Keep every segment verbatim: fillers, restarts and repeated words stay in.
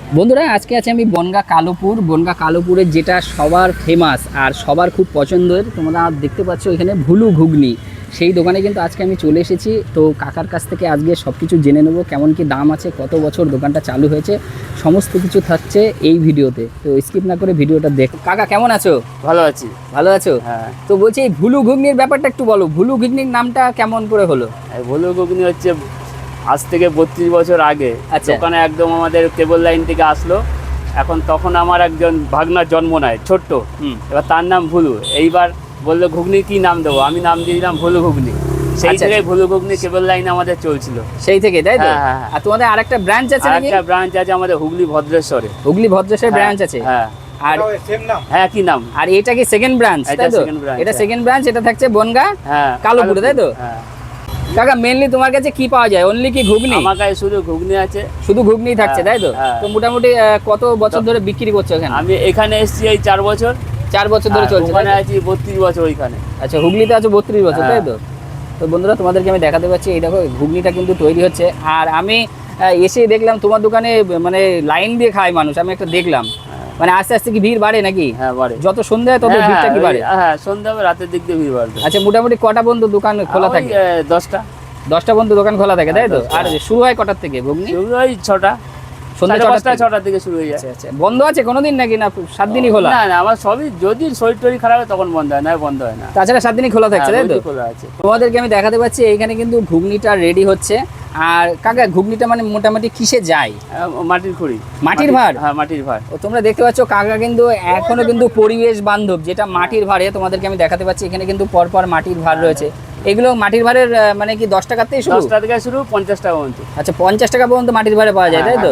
বন্ধুরা আজকে আছে আমি বনগাঁ কালোপুর বনগাঁ কালোপুরের যেটা সবার ফেমাস আর সবার খুব পছন্দের, তোমরা দেখতে পাচ্ছ এখানে ভুলু ঘুগনি, সেই দোকানে কিন্তু আজকে আমি চলে এসেছি। তো কাকার কাছ থেকে আজকে সব কিছু জেনে নেবো, কেমন কি দাম আছে, কত বছর দোকানটা চালু হয়েছে, সমস্ত কিছু থাকছে এই ভিডিওতে। তো স্কিপ না করে ভিডিওটা দেখো। কাকা কেমন আছো? ভালো আছি। ভালো আছো? হ্যাঁ। তো বলছি এই ভুলু ঘুগনির ব্যাপারটা একটু বলো, ভুলু ঘুগনির নামটা কেমন করে হলো? এই ভুলু ঘুগনি হচ্ছে আজ থেকে বত্রিশ বছর আগে আচ্ছা। দোকানে একদম আমাদের কেবল লাইন থেকে আসলো। এখন তখন আমার একজন ভাগনার জন্ম নেয় ছোট্ট, হুম। এবার তার নাম ভুলু। এইবার বললো ঘুগনি কি নাম দেবো, আমি নাম দিয়ে দিলাম ভুলু ঘুগনি। সেই আচ্ছা, থেকে আচ্ছা। ভুলু ঘুগনি কেবল লাইনে আমাদের চলছিল সেই থেকে, তাই তো? হ্যাঁ, হ্যাঁ, হ্যাঁ। আর তোমাদের আরেকটা ব্রাঞ্চ আছে নাকি? একটা ব্রাঞ্চ আছে আমাদের হুগলি ভদ্রেশ্বরে। হুগলি ভদ্রেশ্বর ব্রাঞ্চ আছে। হ্যাঁ আর হ্যাঁ কি নাম? আর এটা কি সেকেন্ড ব্রাঞ্চ, এটা তাই তো? second branch, এটা হ্যাঁ। সেকেন্ড ব্রাঞ্চ, এটা থাকছে বনগাঁ হ্যাঁ কালোপুরে, তাই তো? হ্যাঁ। কাকা মেইনলি তোমার কাছে কি পাওয়া যায়? অনলি কি ঘুগনি? আমার কাছে শুধু ঘুগনি আছে। শুধু ঘুগনি থাকছে, তাই তো? হ্যাঁ। তো মোটামুটি আহ, কত বছর ধরে বিক্রি করছো এখানে? আমি এখানে এসেছি এই চার বছর। চার বছর ধরে হ্যাঁ, চলছে, ওখানে তাই তো? আছি বত্রিশ বছর ওইখানে। আচ্ছা, হুগলিতে আছো বত্রিশ বছর, তাই তো? তো বন্ধুরা তোমাদেরকে আমি দেখাতে পাচ্ছি, এই দেখো ঘুগনিটা কিন্তু তৈরি হচ্ছে। আর আমি আহ, এসে দেখলাম তোমার দোকানে মানে লাইন দিয়ে খায় মানুষ, আমি একটা দেখলাম। মানে আস্তে আস্তে কি ভিড় বাড়ে নাকি? হ্যাঁ বাড়ে। যত সন্ধ্যা হয় তত হ্যাঁ, ভিড়টা কি ওই- বাড়ে? হ্যাঁ সন্ধ্যা হবে, রাতের দিক দিয়ে ভিড় বাড়বে। আচ্ছা, মোটামুটি কটা পর্যন্ত দোকান খোলা ওই, থাকে? এ, দশটা দশটা পর্যন্ত দোকান খোলা থাকে, তাই তো? দশটা। আর শুরু হয় কটার থেকে ঘুগনি? শুরু ওই ছটা, সন্ধ্যা সাড়ে ছটা পাঁচটা ছটার দিকে শুরু হয়ে যায়। আচ্ছা আচ্ছা, বন্ধ আছে কোনোদিন নাকি না সাত দিনই খোলা? না না আমার সবই, যদি শরীর টরীর খারাপ হয় তখন বন্ধ হয়, না বন্ধ হয় না। তাছাড়া সাত দিনই খোলা থাকছে, হ্যাঁ, তাই তো? রোজই খোলা আছে। তোমাদেরকে আমি দেখাতে পাচ্ছি এইখানে কিন্তু ঘুগনিটা রেডি হচ্ছে। আর কাকা ঘুগনিটা মানে মোটামুটি কিসে যায়? আহ, মাটির খুঁড়ি। মাটির ভাঁড়? হ্যাঁ মাটির ভাঁড়। ও তোমরা দেখতে পাচ্ছ কাকা কিন্তু এখনো কিন্তু পরিবেশ বান্ধব, যেটা মাটির ভাঁড়ে তোমাদেরকে আমি দেখাতে পাচ্ছি। এখানে কিন্তু পরপর মাটির ভাঁড় রয়েছে। এগুলো মাটির ভাঁড়ের আহ, মানে কি দশ টাকাতেই শুরু? দশটা থেকে শুরু, পঞ্চাশ টাকা পর্যন্ত। আচ্ছা, পঞ্চাশ টাকা পর্যন্ত মাটির ভাঁড়ে পাওয়া যায়, তাই তো?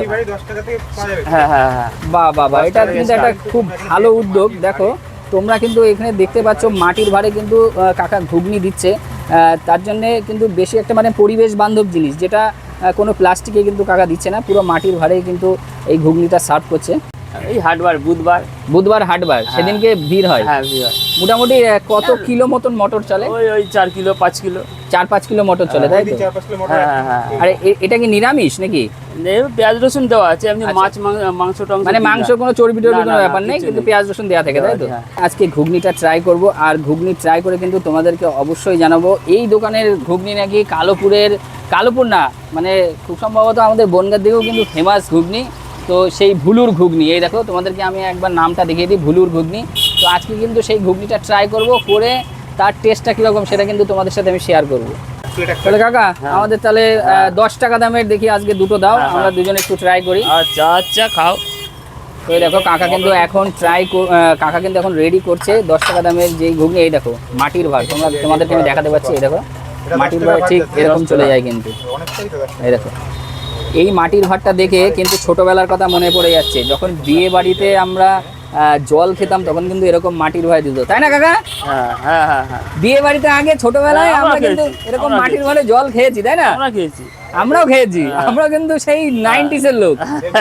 হ্যাঁ হ্যাঁ হ্যাঁ। বাহ বাহ বাহ, দশ এটা টাকা কিন্তু start। একটা খুব ভালো উদ্যোগ। দেখো তোমরা কিন্তু এখানে দেখতে পাচ্ছ মাটির ভাঁড়ে কিন্তু আহ, কাকা ঘুগনি দিচ্ছে। আহ, তার জন্যে কিন্তু বেশি একটা মানে পরিবেশ বান্ধব জিনিস, যেটা আহ, কোনো প্লাস্টিকে কিন্তু কাকা দিচ্ছে না, পুরো মাটির ভাঁড়েই কিন্তু এই ঘুগনিটা সার্ভ করছে। এই হাটবার বুধবার। বুধবার হাটবার, সেদিনকে ভিড় হয়। হ্যাঁ ভিড় হয়। মোটামুটি আহ, কত কিলো মতন মটর চলে? ওই ওই চার কিলো পাঁচ কিলো। চার পাঁচ কিলো মটর চলে, তাই তো? হ্যাঁ হ্যাঁ হ্যাঁ। আর এ- এটা কি নিরামিষ নাকি? এই পেঁয়াজ রসুন দেওয়া আছে, এমনি আচ্ছা। মাছ মাং- মাংস টাংস মানে দিই না। মাংস কোনো চর্বি টর্বি না, কোনো না, ব্যাপার না, নেই, কিছু কিন্তু নেই। পেঁয়াজ রসুন দেওয়া থাকে, তাই তো? হ্যাঁ। আজকে ঘুগনিটা ট্রাই করব, আর ঘুগনি ট্রাই করে কিন্তু তোমাদেরকে অবশ্যই জানাবো। এই দোকানের ঘুগনি নাকি কালোপুরের, কালোপুর না মানে খুব সম্ভবত আমাদের বনগাঁর দিকেও কিন্তু ফেমাস ঘুগনি। তো সেই ভুলুর ঘুগনি, এই দেখো তোমাদেরকে আমি একবার নামটা দেখিয়ে দিই, ভুলুর ঘুগনি। তো আজকে কিন্তু সেই ঘুগনিটা ট্রাই করব, করে তার টেস্টটা কীরকম সেটা কিন্তু তোমাদের সাথে আমি শেয়ার করবো। তাহলে কাকা আমাদের তাহলে আহ, দশ টাকা দামের দেখি আজকে দুটো দাও, হ্যাঁ, আমরা দুজনে একটু ট্রাই করি। আচ্ছা আচ্ছা খাও। তো এই দেখো কাকা কিন্তু এখন ট্রাই কাকা কিন্তু এখন রেডি করছে দশ টাকা দামের যেই ঘুগনি। এই দেখো মাটির ভাঁড়, তোমরা তোমাদেরকে আমি দেখাতে পাচ্ছি। এই দেখো মাটির ভাঁড় ঠিক এরকম চলে যায় কিন্তু। এই দেখো এই মাটির ভাঁড়টা দেখে কিন্তু ছোটবেলার কথা মনে পড়ে যাচ্ছে, যখন বিয়ে বাড়িতে আমরা আহ, জল খেতাম তখন কিন্তু এরকম মাটির ভাঁড় দিত, তাই না কাকা? হ্যাঁ হ্যাঁ হ্যাঁ হ্যাঁ। বিয়ে বাড়িতে আগে ছোটবেলায় হ্যাঁ, আমরা আমরা কিন্তু খেয়েছি, এরকম আমরা মাটির ভাঁড়ে জল খেয়েছি, তাই না? আমরা খেয়েছি। আমরাও খেয়েছি, আমরা কিন্তু সেই নাইনটিস এর লোক।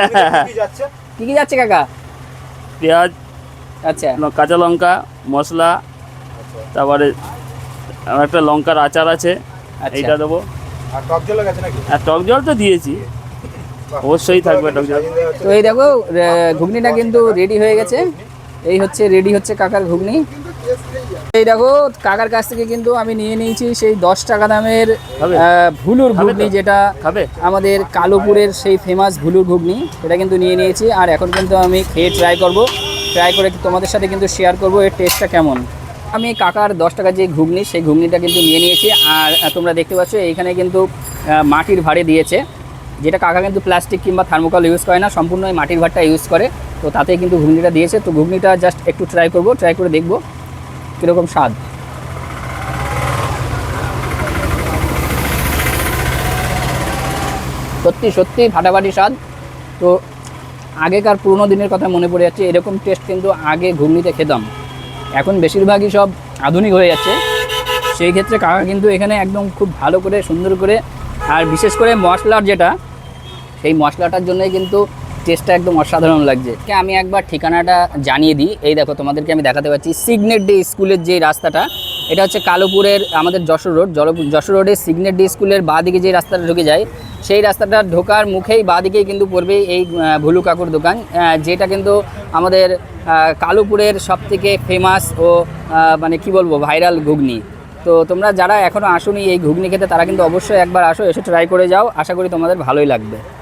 কি কি যাচ্ছে কাকা? পেঁয়াজ, আচ্ছা ল- কাঁচা লঙ্কা, মশলা, তারপরে আমার একটা লঙ্কার আচার আছে, আচ্ছা। এইটা দেবো। আর টক জল আছে নাকি? আর টক জল তো দিয়েছি, অবশ্যই থাকবে টক জল। তো এই দেখো আহ, ঘুগনিটা কিন্তু রেডি হয়ে গেছে। এই হচ্ছে রেডি হচ্ছে কাকার ঘুগনি। এই দেখো কাকার কাছ থেকে কিন্তু আমি নিয়ে নিয়েছি সেই দশ টাকা দামের খাবে? আহ, ভুলুর খাবে তো? ঘুগনি, যেটা খাবে? আমাদের কালোপুরের সেই ফেমাস ভুলুর ঘুগনি, সেটা কিন্তু নিয়ে নিয়েছি। আর এখন কিন্তু আমি খেয়ে ট্রাই করব, ট্রাই করে তোমাদের সাথে কিন্তু শেয়ার করব এর টেস্টটা কেমন। আমি কাকার দশ টাকার যে ঘুগনি, সেই ঘুগনিটা কিন্তু নিয়ে নিয়েছি। আর আহ, তোমরা দেখতে পাচ্ছ এইখানে কিন্তু আহ, মাটির ভাঁড়ে দিয়েছে, যেটা কাকা কিন্তু প্লাস্টিক কিংবা থার্মোকল ইউজ করে না, সম্পূর্ণ এই মাটির ভাঁড়টা ইউজ করে। তো তাতে কিন্তু ঘুগনিটা দিয়েছে। তো ঘুগনিটা জাস্ট একটু ট্রাই করব, ট্রাই করে দেখব কীরকম স্বাদ। সত্যি সত্যি ফাটাফাটি স্বাদ। তো আগেকার পুরোনো দিনের কথা মনে পড়ে যাচ্ছে, এরকম টেস্ট কিন্তু আগে ঘুগনিতে খেতাম। এখন বেশিরভাগই সব আধুনিক হয়ে যাচ্ছে, সেই ক্ষেত্রে কাকা কিন্তু এখানে একদম খুব ভালো করে সুন্দর করে, আর বিশেষ করে মশলার যেটা, সেই মশলাটার জন্যই কিন্তু টেস্টটা একদম অসাধারণ লাগছে। আমি একবার ঠিকানাটা জানিয়ে দিই। এই দেখো তোমাদেরকে আমি দেখাতে পাচ্ছি সিগনেট ডে স্কুলের যে রাস্তাটা, এটা হচ্ছে কালোপুরের আমাদের যশোর রোড, যশোর রোডের সিগনেট ডে স্কুলের বাঁ দিকে যে রাস্তাটা ঢুকে যায়, সেই রাস্তাটা ঢোকার মুখেই বাঁদিকেই কিন্তু পড়বে এই আহ, ভুলু কাকুর দোকান, আহ, যেটা কিন্তু আমাদের আহ, কালুপুরের সবথেকে ফেমাস ও আহ, মানে কি বলবো ভাইরাল ঘুগনি। তো তোমরা যারা এখনও আসোনি এই ঘুগনি খেতে, তারা কিন্তু অবশ্যই একবার আসো, এসে ট্রাই করে যাও, আশা করি তোমাদের ভালোই লাগবে।